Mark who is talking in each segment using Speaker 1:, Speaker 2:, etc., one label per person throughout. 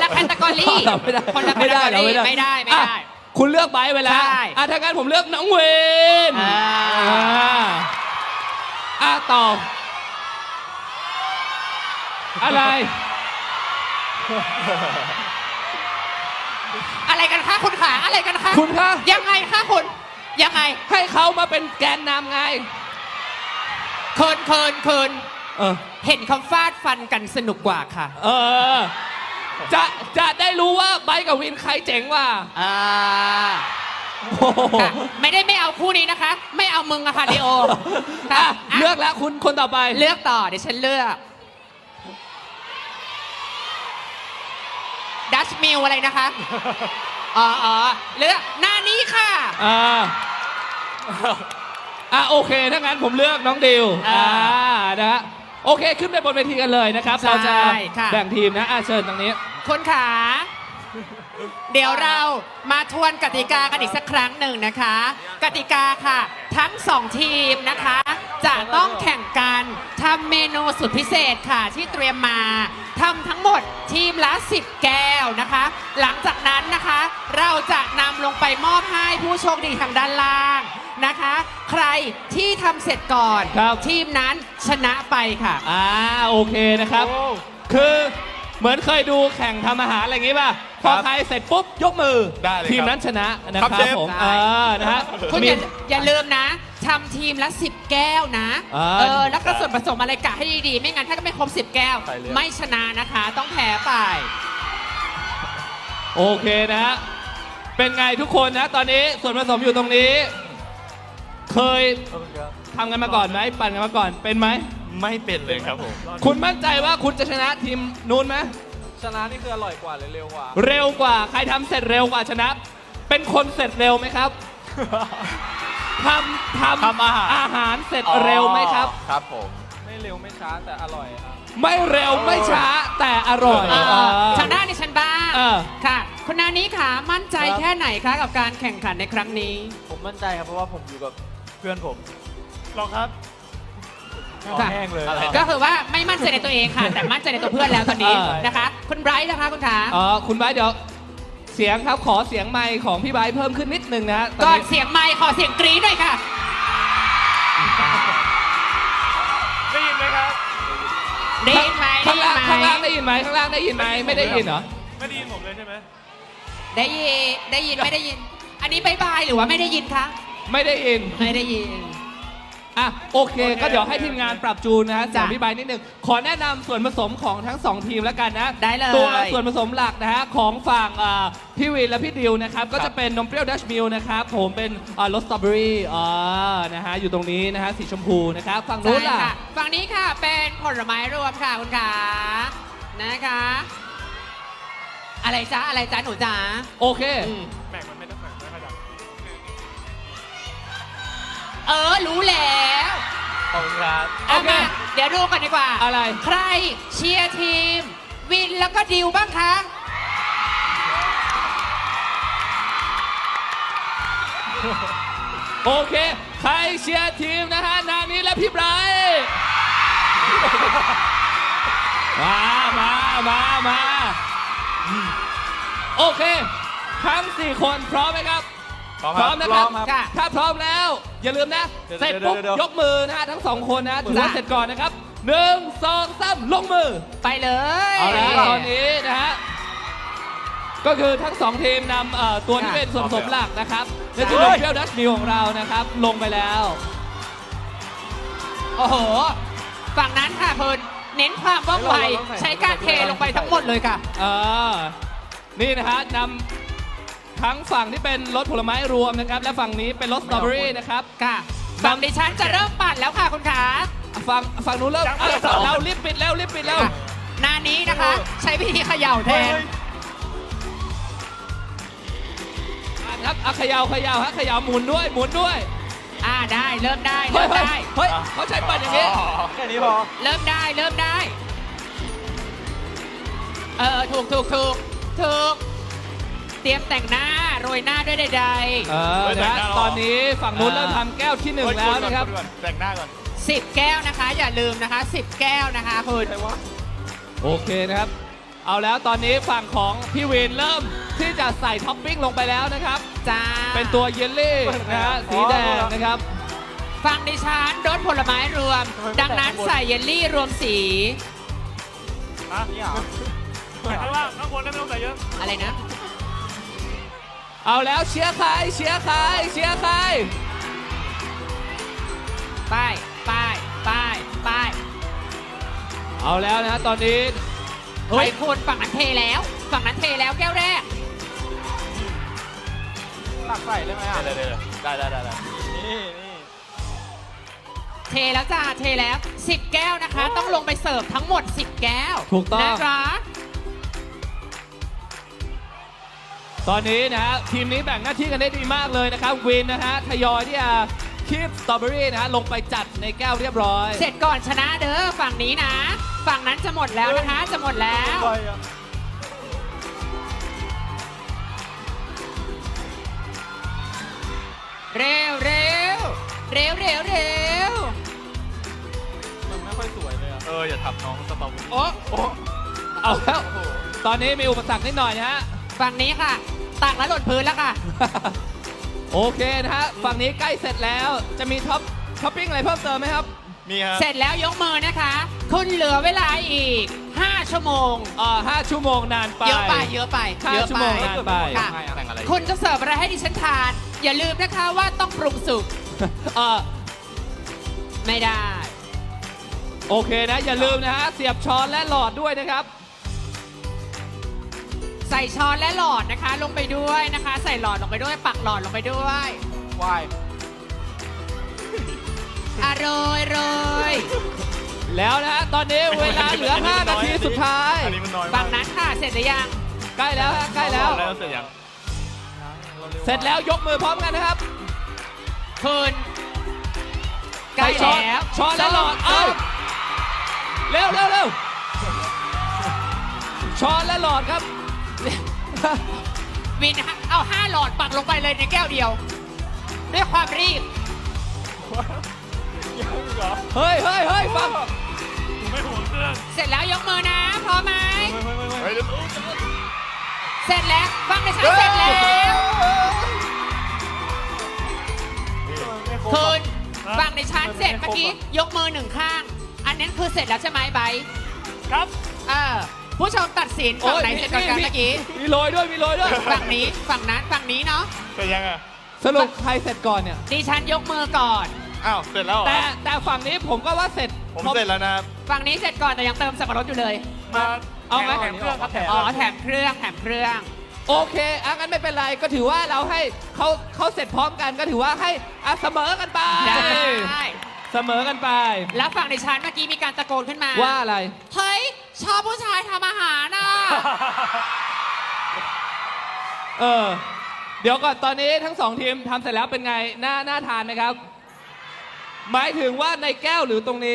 Speaker 1: แคตตากรีคนละแคตตากรีไม่ได้
Speaker 2: คุณเลือกไบร์ทไปแล้ว
Speaker 1: ใช่
Speaker 2: ถ้างั้นผมเลือกน้องเวน ต่ออะไร
Speaker 1: อะไรกันคะคุณขาอะไรกันคะ
Speaker 2: คุณคะ
Speaker 1: ยังไงคะคุณยังไง
Speaker 2: ให้เขามาเป็นแกนนำไง
Speaker 1: เคิน
Speaker 2: เออ
Speaker 1: เห็นเขาฟาดฟันกันสนุกกว่าค่ะ
Speaker 2: จะได้รู้ว่าไบร์ทกับวินใครเจ๋งกว่า
Speaker 1: ค่ะไม่เอาคู่นี้นะคะ ไม่เอามึงอะค่ะลีโอค่ะ
Speaker 2: เลือกแล้วคุณคนต่อไป
Speaker 1: เลือกต่อเดี๋ยวฉันเลือกดัชมิลอะไรนะคะเลือกหน้านี้ค่ะ
Speaker 2: โอเคถ้างั้นผมเลือกน้องดิวนะฮะโอเคขึ้นไปบนเวทีกันเลยนะครับเราจะแบ่งทีมนะเชิญตรงนี้
Speaker 1: คนขาเดี๋ยวเรามาทวนกติกากันอีกสักครั้งหนึ่งนะคะ กติกาค่ะทั้ง2ทีมนะคะจะต้องแข่งกันทำเมนูสุดพิเศษค่ะที่เตรียมมาทำทั้งหมดทีมละ10 แก้วนะคะหลังจากนั้นนะคะเราจะนำลงไปมอบให้ผู้โชคดีทางด้านล่างนะคะใครที่ทำเสร็จก่อนทีมนั้นชนะไปค่ะ
Speaker 2: โอเคนะครับคือเหมือนเคยดูแข่งทำอาหารอะไรอย่างงี้ป่ะพอใครเสร็จปุ๊บยกมือทีมนั้นชนะนะครับผมนะฮะ
Speaker 1: คุณอย่าลืมนะทำทีมละ10 แก้วนะแล้วก็ส่วนผสมอะไรกะให้ดีๆไม่งั้นถ้าไม่ครบ10 แก้วไม่ชนะนะคะต้องแพ้ไป
Speaker 2: โอเคนะฮะเป็นไงทุกคนนะตอนนี้ส่วนผสมอยู่ตรงนี้เคยทำกันมาก่อนไหมปั่นกันมาก่อนเป็นไหม
Speaker 3: ไม่เป็นเลยครับผม
Speaker 2: คุณมั่นใจว่าคุณจะชนะทีมนู้นไหม
Speaker 3: ชนะนี่คืออร่อยกว่าหรือเร็วกว่า
Speaker 2: เร็วกว่าใครทำเสร็จเร็วกว่าชนะเป็นคนเสร็จเร็วไหมครับทำอาหารเสร็จเร็วไหมครับ
Speaker 3: ครับผมไม่เร็วไม่ช้าแต่อร่อยครับ
Speaker 2: ไม่เร็วไม่ช้าแต่อร่อย
Speaker 1: ทางด้านดิฉันบ้างค่ะคุณนานี้ค่ะมั่นใจแค่ไหนคะกับการแข่งขันในครั้งนี้
Speaker 3: ผมมั่นใจครับเพราะว่าผมอยู่กับเพื่อนผมลองครับแห้งเลย
Speaker 1: ก็คือว่าไม่มั่นใจในตัวเองค่ะแต่มั่นใจในตัวเพื่อนแล้วตอนนี้นะคะคุณไบรท์นะคะคุณขา
Speaker 2: คุณไบรท์เดี๋ยวเสียงครับขอเสียงไมค์ของพี่ไบรท์เพิ่มขึ้นนิดนึงนะ
Speaker 1: ก่อนเสียงไมค์ขอเสียงกรี๊ดหน่อยค่ะ
Speaker 3: ได้ยินไหมครับ
Speaker 1: ได้ยินไหม
Speaker 2: ข้างล่างได้ยินไหมข้างล่างได้ยินไหมไม่ได้ยินเหรอ
Speaker 3: ไม่ได้ยินผมเลยใช่ไหม
Speaker 1: ได้ยินไม่ได้ยินอันนี้บายหรือว่าไม่ได้ยินคะ
Speaker 2: ไม่ได้ยินโอเคก็เดี๋ยวให้ทีมงานปรับจูนนะฮะจากพี่ไบร์ทนิดนึงขอแนะนำส่วนผสมของทั้ง2ทีมแล้วกันนะ
Speaker 1: ได้เลย
Speaker 2: ตัวส่วนผสมหลักนะฮะของฝั่งพี่วินและพี่ดิวนะครับก็จะเป็นนมเปรี้ยวดัชมิลนะครับผมเป็นรสสตรอเบอรี่นะฮะอยู่ตรงนี้นะฮะสีชมพูนะครับฝั่งนู้นล่ะ
Speaker 1: ฝั่งนี้ค่ะเป็นผลไม้รวมค่ะคุณขานะคะอะไรจ๊ะหนูจ๊ะ
Speaker 2: โอเค
Speaker 3: แบ่งมันไม่ต้องแบ่งไม่ค่อยดัง
Speaker 1: รู้แล้ว
Speaker 3: ขอบคุณครับ
Speaker 1: โอเคเดี๋ยวดูกันดีกว่า
Speaker 2: อะไร
Speaker 1: ใครเชียร์ทีมวินแล้วก็ดิวบ้างคะ
Speaker 2: โอเคใครเชียร์ทีมนะฮะนานี้และพี่ไบรท์มาโอเคทั้ง4คนพร้อมไหมครับพร้อมนะครับถ้าพร้อมแล้วอย่าลืมนะเสร็จปุ๊บยกมือนะฮะทั้ง2คนนะถือว่าเสร็จก่อนนะครับ1 2 3ลงมือ
Speaker 1: ไปเลย
Speaker 2: เอาละตอนนี้นะฮะก็คือทั้ง2ทีมนำตัวที่เป็นส่วนผสมหลักนะครับในจุดเปรี้ยวดัชมิลของเรานะครับลงไปแล้ว
Speaker 1: โอ้โหฝั่งนั้นค่ะคุณเน้นความว่องไวใช้การเทลงไปทั้งหมดเลยค่ะ
Speaker 2: นี่นะฮะนำทั้งฝั่งที่เป็นรสผลไม้รวมนะครับและฝั่งนี้เป็นรสสตรอเบอรี่นะครับ
Speaker 1: ค่ะฝั่งดิฉันจะเริ่มปั่นแล้วค่ะคุณขา
Speaker 2: ฝั่งนู้นเริ่มเรารีบปิดแล้ว
Speaker 1: หน้านี้นะคะใช้วิธีเขย่าแทน
Speaker 2: ครับเขย่าฮะเขย่าหมุนด้วย
Speaker 1: ได้เริ่มได้
Speaker 2: เฮ้ยเขาใช้ปั่นอย่างนี้
Speaker 3: แค่นี้พอ
Speaker 1: เริ่มได้ถูกเตรียมแต่งหน้าโรยหน้าด้วยใด
Speaker 2: ๆนะตอนนี้ฝั่งนู้นเริ่มทำแก้วที่1แล้วนะครับ
Speaker 3: แต่งหน้าก่อน
Speaker 1: 10 แก้วนะคะอย่าลืมนะคะ10 แก้วนะคะคุณ
Speaker 2: โอเคนะครับเอาแล้วตอนนี้ฝั่งของพี่วินเริ่มที่จะใส่ท็อปปิ้งลงไปแล้วนะครับ
Speaker 1: จ้า
Speaker 2: เป็นตัวเยลลี่นะฮะสีแดงนะครับ
Speaker 1: ฝั่งดิฉันรสผลไม้รวม ดังนั้นใส่เยลลี่รวมสี
Speaker 3: นี่เหรอข้างล่างข้างบนได้ไม่ต้องใส่เยอะ
Speaker 1: อะไรนะ
Speaker 2: เอาแล้วเชียร์ใครเชียร์ใครเชียร์ใคร
Speaker 1: ป้ายป้ายป้ายป้าย
Speaker 2: เอาแล้วนะฮะตอนนี้
Speaker 1: เฮ้ยคุณฝั่งนั้นเทแล้ว ฝั่งนั้นเทแล้วแก้วแรก
Speaker 3: ตักใส่ได้ไหมอ่ะได้นี่
Speaker 1: เทแล้วจ้า เทแล้ว 10 แก้วนะคะ ต้องลงไปเสิร์ฟทั้งหมด 10 แก้ว
Speaker 2: ถูกต้อง
Speaker 1: นะคะ
Speaker 2: ตอนนี้นะฮะทีมนี้แบ่งหน้าที่กันได้ดีมากเลยนะครับวินนะฮะทยอยที่จะคีบสตรอเบอรี่นะฮะลงไปจัดในแก้วเรียบร้อย
Speaker 1: เสร็จก่อนชนะเด้อฝั่งนี้นะ ฝั่งนั้นจะหมดแล้วนะคะ จะหมดแล้ว
Speaker 3: ไปอ่ะ
Speaker 1: เร็วเร็วเร็วเร็วเร็ว
Speaker 3: มันไม่ค่อยสวยเลยอ่ะอย่าทำน้องสตรอเบอรี่
Speaker 1: โอ้
Speaker 2: เอาแล้วตอนนี้มีอุปสรรคนิดหน่อยนะฮะ
Speaker 1: ฝั่งนี้ค่ะ ตักแล้วหล่นพื้นแล้วค่ะ
Speaker 2: โอเคนะฮะฝั่งนี้ใกล้เสร็จแล้วจะมีท็อปปิ้งอะไรเพิ่มเติมไหมครับ
Speaker 3: มีครับ
Speaker 1: เสร็จแล้วยกมือนะคะ คุณเหลือเวลาอีก 5 ชั่วโมง
Speaker 2: 5 ชั่วโมงนานไป
Speaker 1: เยอะไป เยอะไป
Speaker 2: ห้า
Speaker 1: เยอะ
Speaker 2: ชั่ว
Speaker 1: ไป
Speaker 2: โมงนานไป
Speaker 1: ค่ะ
Speaker 3: แต่งอะไร
Speaker 1: คุณจะเสิร์ฟอะไรให้ดิฉันทาน อย่าลืมนะคะว่าต้องปรุงสุก ไม่ได้
Speaker 2: โอเคนะอย่าลืมนะฮะเสียบช้อนและหลอดด้วยนะครับ
Speaker 1: ใส่ช้อนและหลอดนะคะ ลงไปด้วยนะคะ ใส่หลอดลงไปด้วย ปักหลอดลงไปด้วย
Speaker 3: วาย
Speaker 1: โรยโรย
Speaker 2: แล้วนะฮะตอนนี้เวลาเหลือ 5 นาทีสุดท้าย
Speaker 3: อันนี้มันน้อย
Speaker 1: ฝั่งนั้นค่ะ เสร็จหรือยัง
Speaker 2: ใกล้แล้วฮะใกล้แล้ว
Speaker 3: แล้วเสร็จยัง
Speaker 2: เสร็จแล้วยกมือพร้อมกันนะครับ
Speaker 1: คุณใกล้
Speaker 2: ใส่ช้อน
Speaker 1: แล้ว
Speaker 2: ช้อนและหลอดเอาเร็วเร็วเร็วช้อนและหลอดครับ
Speaker 1: วินนะคะเอา5 หลอดปักลงไปเลยในแก้วเดียว ด้วยความรีบ
Speaker 3: เหรอ
Speaker 2: เฮ้ยเฮ้ยเฮ้ยฟัง
Speaker 3: ไม่ห่วงเครื่อง
Speaker 1: เสร็จแล้วยกมือนะ พร้อมไหม
Speaker 3: เฮ้ย
Speaker 1: เสร็จแล้วฟังในชั้นเสร็จแล้ว คุณฟังในชั้นเสร็จเมื่อกี้ยกมือหนึ่งข้าง อันนั้นคือเสร็จแล้วใช่ไหมไบร์ท
Speaker 3: ครับ
Speaker 1: ผู้ชมตัดสินฝั่งไหนเสร็จก่อนกันเมื่อกี้
Speaker 2: มีโรยด้วยมีโรยด้วย
Speaker 1: ฝั่งนี้ฝั่งนั้นฝั่งนี้เนาะ
Speaker 3: เสร็จยังอ่ะ
Speaker 2: สรุปใครเสร็จก่อนเนี่ย
Speaker 1: ดิฉันยกมือก่อน
Speaker 3: อ้าวเสร็จแล้วเหรอ
Speaker 2: แต่ฝั่งนี้ผมก็ว่าเสร็จ
Speaker 3: ผมเสร็จแล้วนะครับ
Speaker 1: ฝั่งนี้เสร็จก่อนแต่ยังเติมสับปะรดอยู่เลย
Speaker 3: มา
Speaker 2: เอาไหม
Speaker 3: แถมเครื่องครับแถม
Speaker 1: อ๋อแถมเครื่องแถมเครื่อง
Speaker 2: โอเคงั้นไม่เป็นไรก็ถือว่าเราให้เขาเสร็จพร้อมกันก็ถือว่าให้เสมอกันไป
Speaker 1: ได้
Speaker 2: เสมอกันไป
Speaker 1: แล้วฝั่งดิฉันเมื่อกี้มีการตะโกนขึ้นมา
Speaker 2: ว่าอะไร
Speaker 1: เฮ้ยชอบผู้ชายทำอาหารน่ะ
Speaker 2: เดี๋ยวก่อนตอนนี้ทั้งสองทีมทำเสร็จแล้วเป็นไงน่าทานไหมครับ หมายถึงว่าในแก้วหรือตรงนี้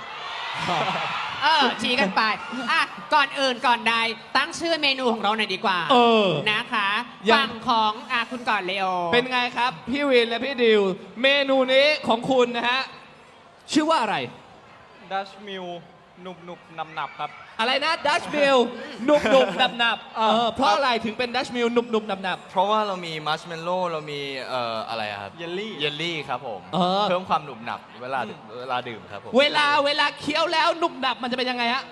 Speaker 1: ชี้กันไปก่อนอื่นก่อนใดตั้งชื่อเมนูของเราหน่อยดีกว่า นะคะ
Speaker 2: ยัง
Speaker 1: ฝั่งของคุณก่อนเลโอ
Speaker 2: เป็นไงครับ พี่วินและพี่ดิว เมนูนี้ของคุณนะฮะ ชื่อว่าอะไร
Speaker 3: ดัชมิลหนุบหนุบนำหนับครับ
Speaker 2: อะไรนะดัชมิลหนุบหนุบหนับหนับเพราะอะไรถึงเป็นดัชมิลหนุบหนุบหนับหนับ
Speaker 4: เพราะว่าเรามีมัชเมลโล่เรามีอะไรอะครับ
Speaker 3: เยลลี่
Speaker 4: เยลลี่ครับผม
Speaker 2: เพิ่
Speaker 4: เพิ่มความหนุบหนับเวลาดื่มครับผม
Speaker 2: เวลาเคี้ยวแล้วหนุบหนับมันจะเป็นยังไงฮะ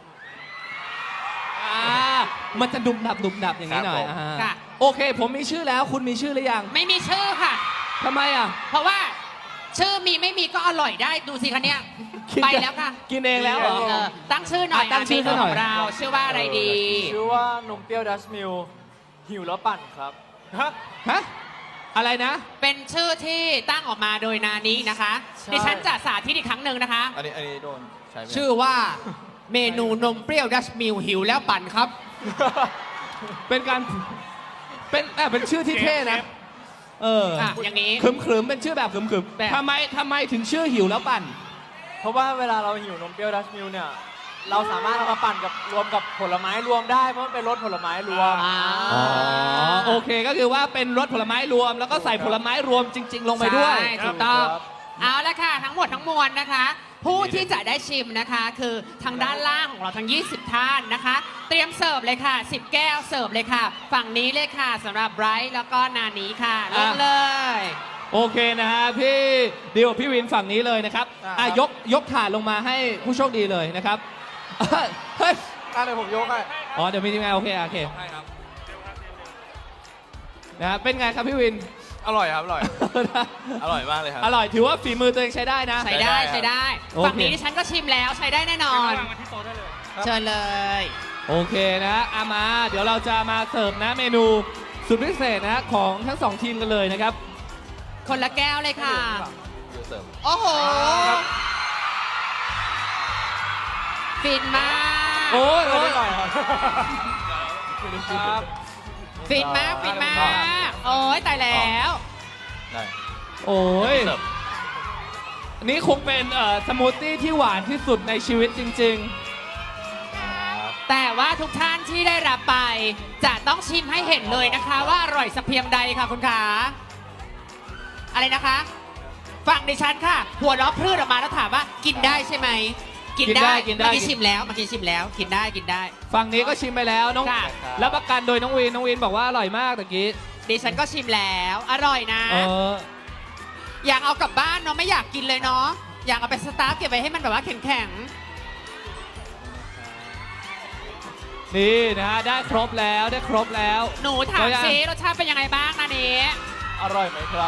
Speaker 2: มันจะหนุบหนับอย่างนี้หน่อย
Speaker 4: ครับผม
Speaker 1: ค่ะ
Speaker 2: โอเค ผมมีชื่อแล้วคุณมีชื่อหรือยัง
Speaker 1: ไม่มีชื่อค่ะ
Speaker 2: ทำไมอ่ะ
Speaker 1: เพราะว่าชื่อมีไม่มีก็อร่อยได้ดูสิคะเนี่ยไปแล้วค่ะ
Speaker 2: กินเองแล้วเหรอ
Speaker 1: ตั้งชื่อหน่อย
Speaker 2: ตั้งชื่อ
Speaker 1: เมนู
Speaker 2: หน่อย
Speaker 1: ของเราชื่อว่าอะไรดี
Speaker 3: ชื่อว่านมเปรี้ยวดัชมิลหิวแล้วปั่นครับฮะ
Speaker 2: ฮะอะไรนะ
Speaker 1: เป็นชื่อที่ตั้งออกมาโดยนานี้นะคะ
Speaker 3: ใช่
Speaker 1: ดิฉันจะสาธิตอีกครั้งหนึ่งนะคะ
Speaker 4: อันนี้โดนใช่ไหม
Speaker 1: ชื่อว่าเมนูนมเปรี้ยวดัชมิลหิวแล้วปั่นครับ
Speaker 2: เป็นการเป็นชื่อที่เท่นะ
Speaker 1: อย่างนี้
Speaker 2: ขึมเป็นชื่อแบบขึม
Speaker 1: แบบ
Speaker 2: ทำไมถึงชื่อหิวแล้วปั่น
Speaker 3: เพราะว่าเวลาเราหิวนมเปรี้ยวดัชมิลเนี่ย เราสามารถเอามาปั่นกับรวมกับผลไม้รวมได้เพราะมันเป็นรสผลไม้รวม
Speaker 2: โอเคก็คือว่าเป็นรสผลไม้รวม แล้วก็ใส่ผลไม้รวมจริง ๆ ลงไปด้วย
Speaker 1: ใช่ถูกต้อง เอาละค่ะ ทั้งหมดทั้งมวลนะคะผู้ที่จะได้ชิมนะคะ คือทางด้านล่างของเราทั้ง 20 ท่านนะคะ เตรียมเสิร์ฟเลยค่ะ 10 แก้วเสิร์ฟเลยค่ะ ฝั่งนี้เลยค่ะสำหรับไบรท์แล้วก็นานี้ค่ะลงเลย
Speaker 2: โอเคนะฮะพี่ดิวกับพี่วินฝั่งนี้เลยนะครับยกถาดลงมาให้ผู้โชคดีเลยนะครับเฮ้ย
Speaker 3: เดี๋ยวผมยกให้
Speaker 2: อ๋อเดี๋ยวมีทีมงานโอเคนะฮะเป็นไงครับพี่วิน
Speaker 4: อร่อยครับ อร่อย อร่อยมากเลยครับ
Speaker 2: อร่อยถือว่าฝีมือตัวเองใช้ได้นะ
Speaker 1: ใช้ได้
Speaker 4: ใช้
Speaker 1: ใช้
Speaker 4: ได้
Speaker 1: ได้
Speaker 2: โอเค
Speaker 1: ฝั่งนี้ดิฉันก็ชิมแล้วใช้ได้แน่นอนเชิญเลย
Speaker 2: โอเคนะฮะมาเดี๋ยวเราจะมาเสิร์ฟนะเมนูสุดพิเศษนะของทั้งสองทีมกันเลยนะครับ
Speaker 1: คนละแก้วเลยค่ะ
Speaker 4: อยู่เสริม
Speaker 1: โอ้โห ฟินมาก
Speaker 2: โอ้ย
Speaker 3: อร่อยครับ
Speaker 1: ฟินมาก ฟินมาก โอ้ยตายแล้ว
Speaker 4: ได้
Speaker 2: โอ้ย
Speaker 4: เสิร์ฟ
Speaker 2: อันนี้คงเป็นสมูทตี้ที่หวานที่สุดในชีวิตจริง
Speaker 1: แต่ว่าทุกท่านที่ได้รับไป จะต้องชิมให้เห็นเลยนะคะ ว่าอร่อยสักเพียงใดค่ะคุณขาอะไรนะคะ ฝั่งดิฉันค่ะ หัวล้อพรืดออกมาแล้วถามว่ากินได้ใช่ไหม กินได้
Speaker 2: กินได้
Speaker 1: เมื่อกี้ชิมแล้วเมื่อกี้ชิมแล้ว กินได้กินได้
Speaker 2: ๆ ฝั่งนี้ก็ชิมไปแล้วน้อง
Speaker 1: ค่ะ
Speaker 2: รับประกันโดยน้องวินบอกว่าอร่อยมากตะกี้
Speaker 1: ดิฉันก็ชิมแล้ว อร่อยนะ
Speaker 2: เออ
Speaker 1: อยากเอากลับบ้านเนาะไม่อยากกินเลยเนาะอยากเอาไปสตาร์ฟเก็บไว้ให้มันแบบว่าแข็ง
Speaker 2: นี่นะฮะได้ครบแล้วได้ครบแล้ว
Speaker 1: ๆหนูถามซิรสชาติเป็นยังไงบ้างนะนี้
Speaker 3: อร่อยไหมครับ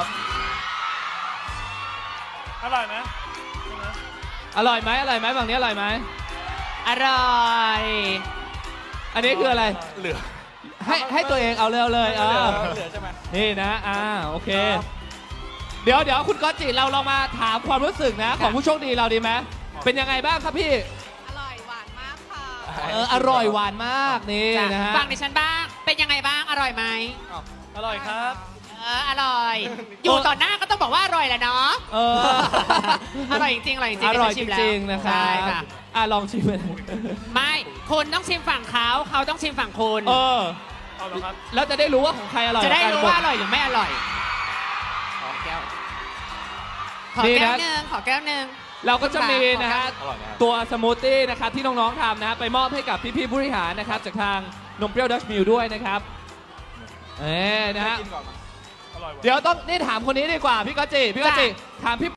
Speaker 2: อร่อยไหมอร่อยไหมฝั่งนี้อร่อยไหม
Speaker 1: อร่อย
Speaker 2: อันนี้คืออะไร
Speaker 4: เหลือ
Speaker 2: ให้ตัวเองเอาเลย
Speaker 3: เห
Speaker 2: เอ
Speaker 3: ลือใช่ไหม
Speaker 2: นี่นะโอเค เดี๋ยวคุณก๊อตจิเราลองมาถามความรู้สึกนะ ของผู้โชคดีเราดีไหมเป็นยังไงบ้างครับพี่
Speaker 1: อร่อยหวานมากค่ะ
Speaker 2: อร่อยหวานมากนี่
Speaker 1: จ้ะ
Speaker 2: นะฮะ
Speaker 1: ฟังดิฉันบ้างเป็นยังไงบ้างอร่อยไหม
Speaker 3: อร่อยครับ
Speaker 1: อร่อย อยู่ต่อหน้าก็ต้องบอกว่าอร่อยแหละเนาะ
Speaker 2: เออ
Speaker 1: อร่อยจริงๆอร่อยจริงๆ
Speaker 2: อร่อย
Speaker 1: ดิฉันชิ
Speaker 2: จ
Speaker 1: มแล้ว
Speaker 2: ริงๆนะครับ
Speaker 1: ใช่ค่ะ
Speaker 2: ลองชิมเลย
Speaker 1: ไม่คุณต้องชิมฝั่งเขาต้องชิมฝั่งคุณ
Speaker 2: เออแล้วจะได้รู้ว่าของใครอร่อย
Speaker 1: จะได้
Speaker 2: กัน
Speaker 1: รู้ว่าอร่อยหรือไม่อร่อยขอแก้วขอ
Speaker 2: นี่
Speaker 1: แก้
Speaker 2: นะ
Speaker 1: วหนึ่งขอแก้วหนึ่ง
Speaker 2: เราก็จะมีนะฮะ
Speaker 4: อร่อยไหมครับ
Speaker 2: ตัวสมูทตี้นะครับที่น้องๆทำนะฮะไปมอบให้กับพี่ๆผู้บริหารนะครับจากทางนมเปรี้ยวดัชมิลด้วยนะครับนะฮะ
Speaker 3: กินก่อนมา
Speaker 2: เดี๋ยวต้องนี่ถามคนนี้ดีกว่าพี่ก๊อตจิถามพี่